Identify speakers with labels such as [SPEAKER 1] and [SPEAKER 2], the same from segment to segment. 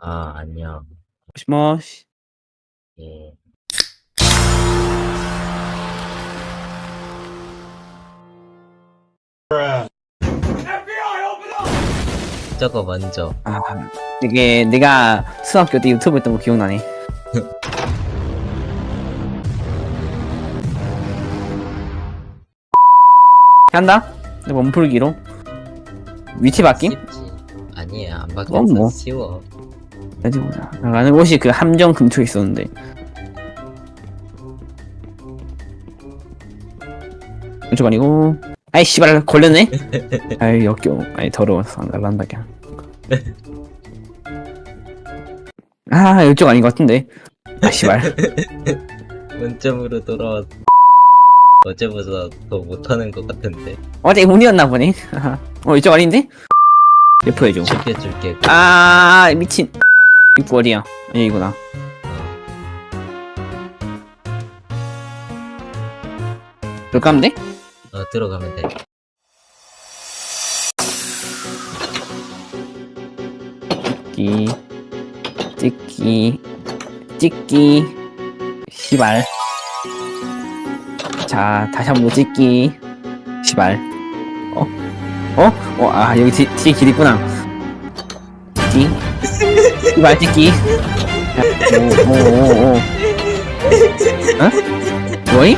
[SPEAKER 1] 아, 안녕.
[SPEAKER 2] 모시모시.
[SPEAKER 1] 예. 저거 먼저.
[SPEAKER 2] 아, 이게 내가 수학교 때 유튜브 했던 거 기억나네. 한다? 몸풀기로 위치 바뀜?
[SPEAKER 1] 쉽지. 아니야, 안
[SPEAKER 2] 그건
[SPEAKER 1] 바뀌었어.
[SPEAKER 2] 뭐.
[SPEAKER 1] 쉬워.
[SPEAKER 2] 어디 보자. 나가는 곳이 그 함정 근처에 있었는데. 이쪽 아니고. 아이 씨발 걸렸네. 아이 역겨워. 아이 더러워서 안 갈란다 그냥. 아 이쪽 아닌 것 같은데. 아 씨발.
[SPEAKER 1] 원점으로 돌아왔. 어제보다 더 못하는 것 같은데.
[SPEAKER 2] 어제 운이었나 보네. 이쪽 아닌데? 레포 해줘.
[SPEAKER 1] 지켜줄게.
[SPEAKER 2] 아 미친. 입구 어디야? 여기구나. 몇 가면 돼?
[SPEAKER 1] 들어가면 돼.
[SPEAKER 2] 찍기 시발. 자 다시 한번 찍기 시발. 아 여기 뒤에 길 있구나. 찍기 시발 찍기. 오오오오. 어? 뭐임?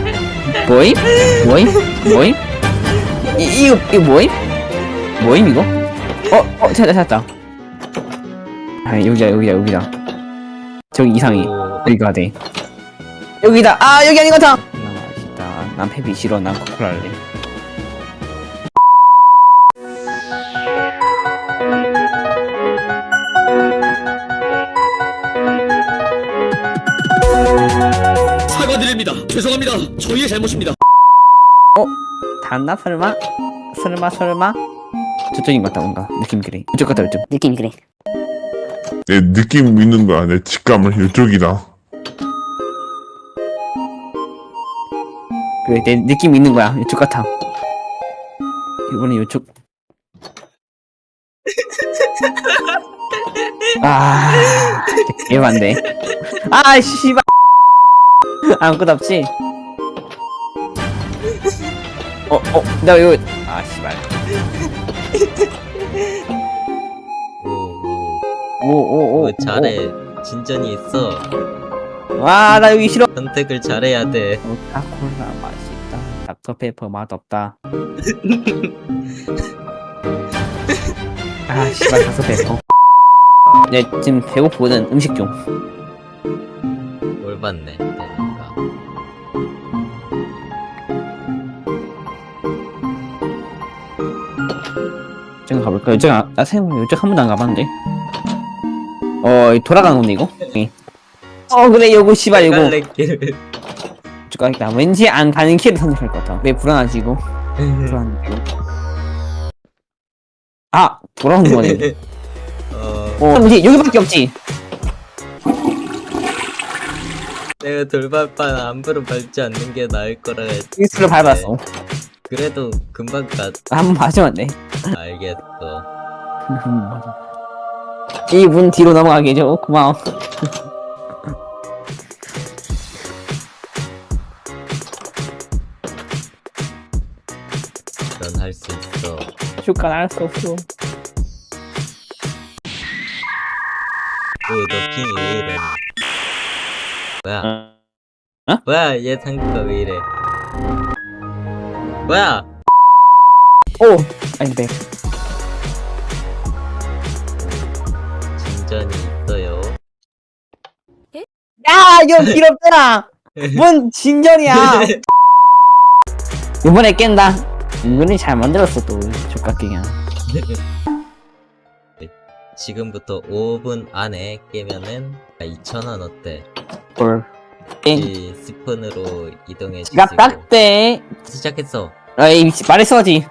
[SPEAKER 2] 뭐임? 이거 뭐임 이거? 찾았다. 아 여기다. 저기 이상해. 여기가 돼. 여기다. 아 여기 아닌 것 같아. 맛있다. 난 페비 싫어. 난 코코라 할래.
[SPEAKER 3] 사과드립니다. 죄송합니다. 저희의 잘못입니다.
[SPEAKER 2] 닿나 설마? 저쪽인 것 같다 뭔가 느낌 그래. 이쪽 같다 이쪽. 느낌 그래.
[SPEAKER 4] 내 느낌 있는 거야. 내 직감을 이쪽이다.
[SPEAKER 2] 그래 내 느낌 있는 거야. 이쪽 같아. 이번엔 이쪽. 아 개반데. 아 씨발. 아무것도 없지. 나 이거 아 씨발. 오오오.
[SPEAKER 1] 잘해. 진전이 있어.
[SPEAKER 2] 와 나 여기 싫어.
[SPEAKER 1] 선택을 잘해야 돼.
[SPEAKER 2] 코카콜라 맛있다. 닥터페퍼 맛없다. 아 씨발 닥터페퍼. 네 지금 배고프거든. 음식 좀.
[SPEAKER 1] 뭘 봤네. 그러니까.
[SPEAKER 2] 이쪽 가볼까? 나 생각해 이쪽 한 번도 안 가봤는데. 돌아가는 건데 이거? 그래 요거 씨발 요거.
[SPEAKER 1] 갈래길.
[SPEAKER 2] 이쪽 가겠다. 왠지 안 가는 길을 선택할 것 같아. 왜 불안하지 이거? 불안하지. 아 돌아오는 거네. 뭐지 여기밖에 없지.
[SPEAKER 1] 내가 돌발판 안부를 밟지 않는 게 나을 거라 했지.
[SPEAKER 2] 스를 밟았어.
[SPEAKER 1] 그래도 금방 가.
[SPEAKER 2] 한번 맞으면 돼.
[SPEAKER 1] 알겠어.
[SPEAKER 2] 이 문 뒤로 넘어가게 해줘. 고마워.
[SPEAKER 1] 넌 할 수 있어.
[SPEAKER 2] 슈간 알수 없어.
[SPEAKER 1] 너 핑이 왜 이래? 뭐야?
[SPEAKER 2] 어?
[SPEAKER 1] 뭐야? 얘 상태가 왜 이래? 뭐야?
[SPEAKER 2] 오! 아니 백.
[SPEAKER 1] 진전이 있어요.
[SPEAKER 2] 야 이거 길 없잖아. 뭔 진전이야. 이번에 깬다. 은근히 잘 만들었어 또 족같게 그냥.
[SPEAKER 1] 지금부터 5분 안에 깨면은 2,000원 어때?
[SPEAKER 2] 헐. 땡.
[SPEAKER 1] 이 스푼으로 이동해
[SPEAKER 2] 지갑
[SPEAKER 1] 주시고.
[SPEAKER 2] 딱대.
[SPEAKER 1] 시작했어.
[SPEAKER 2] 아이 말했어야지.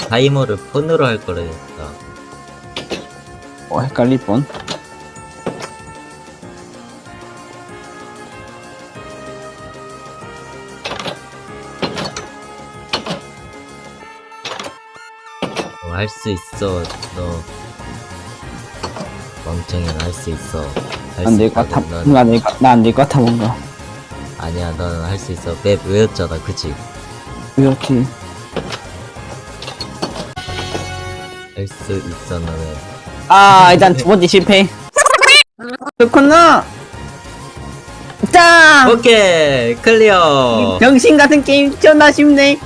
[SPEAKER 1] 타이머를 폰으로 할 거랬다.
[SPEAKER 2] 헷갈릴 뻔.
[SPEAKER 1] 할 수 있어. 너 멍청이는 할 수 있어.
[SPEAKER 2] 안 될 것 같아. 나안 될 것 같아 뭔가.
[SPEAKER 1] 아니야, 너는 할 수 있어. 맵 외웠잖아, 그치?
[SPEAKER 2] 이렇게.
[SPEAKER 1] 할 수 있어, 너는.
[SPEAKER 2] 일단 두 번째 실패. 그렇구나. 짱!
[SPEAKER 1] 오케이, 클리어.
[SPEAKER 2] 정신 같은 게임 존나 쉽네.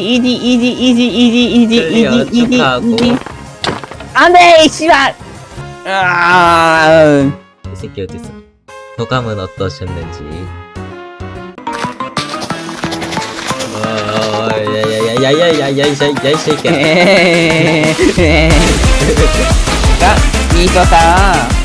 [SPEAKER 2] 이지.
[SPEAKER 1] 클리어 축하하고.
[SPEAKER 2] 안돼, 씨발.
[SPEAKER 1] 이 새끼 어딨어? 소감은 어떠셨는지. 야야야야야야야야 이 새끼야.
[SPEAKER 2] 야, 있었다.